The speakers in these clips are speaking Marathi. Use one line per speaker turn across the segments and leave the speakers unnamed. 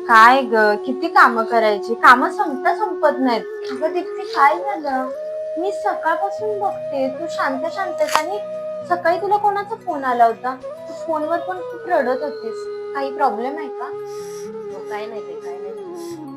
काय ग, किती काम करायची, काम संपत नाहीत. अगं दीप्ती, काय झालं? मी सकाळपासून बघते तू शांत शांतच, आणि सकाळी तुला कोणाचा फोन आला होता? तू फोनवर पण खूप रडत होतीस. काही प्रॉब्लेम आहे का?
काय नाही ते, काय नाही.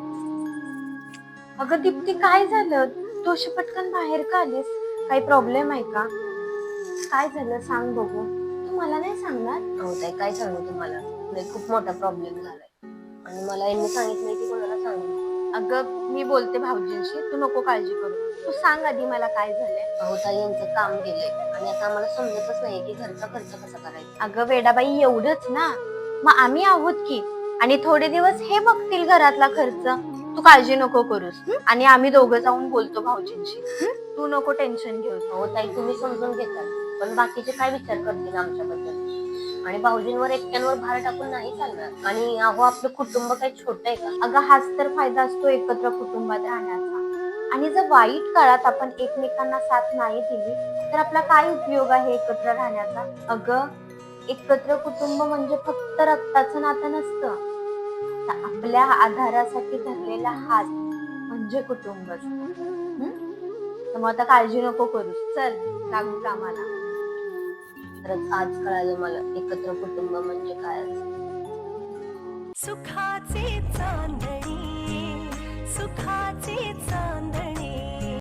अगं दीप्ती, काय झालं? तू अशी पटकन बाहेर का आलीस? काही प्रॉब्लेम आहे का? काय झालं सांग बघू. तू मला नाही सांगणार?
अहो ताई, काय सांगू तुम्हाला, खूप मोठा प्रॉब्लेम झालाय आणि मला यांनी सांगितलंय की कोणाला सांगू नको.
अगं मी बोलते भाऊजींशी, तू नको काळजी करू. तू सांग आधी मला काय झालंय.
अहो ताई, यांचं काम गेलंय आणि आता आम्हाला समजतच नाहीये की घरचा खर्च कसा करायचा.
अगं वेडाबाई, एवढंच ना? मग आम्ही आहोत की, आणि थोडे दिवस हे बघतील घरातला खर्च. तू काळजी नको करूस, आणि आम्ही दोघं जाऊन बोलतो भाऊजींशी. तू नको टेन्शन घेऊ.
अहो ताई, तुम्ही समजून घेताल, पण बाकीचे काय विचार करतील आमच्याबद्दल? आणि भाऊजींवर एकट्यांवर भार टाकून नाही चालणार. आणि अहो, आपलं कुटुंब काही छोटं आहे का?
अगं हाच तर फायदा असतो एकत्र कुटुंबात राहण्याचा. आणि जर वाईट काळात आपण एकमेकांना साथ नाही दिली तर आपला काय उपयोग आहे एकत्र राहण्याचा? अगं, एकत्र कुटुंब म्हणजे फक्त रक्ताचं नातं नसतं, तर आपल्या आधारासाठी धरलेला हात म्हणजे कुटुंब असतं. तर मग आता काळजी नको करू, चल लागू कामाला.
खरंच आज कळालं मला एकत्र कुटुंब म्हणजे काय असतं.
सुखाचे चांदणी, सुखाचे चांदणी.